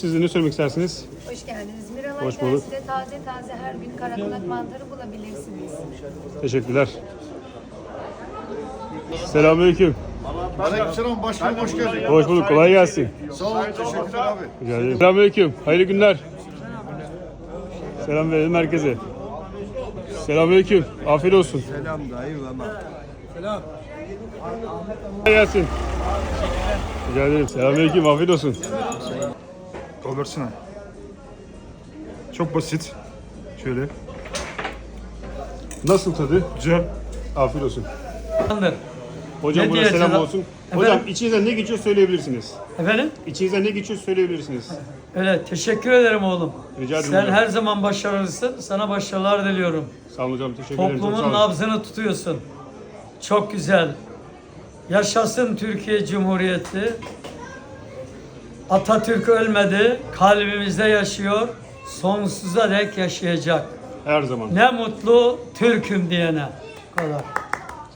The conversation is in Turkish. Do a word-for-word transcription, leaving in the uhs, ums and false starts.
Siz de ne söylemek istersiniz? Hoş geldiniz. Miralar Hoş bulduk. Tersi'de taze taze her gün karakulak mantarı bulabilirsiniz. Teşekkürler. Selamünaleyküm. Aleykümselam başkanım, hoş geldin. Hoş bulduk. Kolay gelsin. Sağ ol, teşekkürler abi. Rica ederim. Selamünaleyküm. Hayırlı günler. Selam verelim herkese. Selamünaleyküm. Afiyet olsun. Selam dayı ama. Selam. Kolay gelsin. Rica ederim. Selamünaleyküm. Afiyet olsun. Kaldırsana. Çok basit. Şöyle. Nasıl tadı? Güzel. Afiyet olsun. Tamamdır. Hocam Ne buna diyeceğiz selam lan? olsun. Efendim? Hocam içinizden ne geçiyor söyleyebilirsiniz. Efendim? İçinizden ne geçiyor söyleyebilirsiniz. Öyle teşekkür ederim oğlum. Rica ederim Sen hocam. her zaman başarılısın. Sana başarılar diliyorum. Sağ olun hocam. Teşekkür ederim. Çok sağ Toplumun olun. nabzını tutuyorsun. Çok güzel. Yaşasın Türkiye Cumhuriyeti. Atatürk ölmedi. Kalbimizde yaşıyor. Sonsuza dek yaşayacak. Her zaman. Ne mutlu Türk'üm diyene. Bu kadar.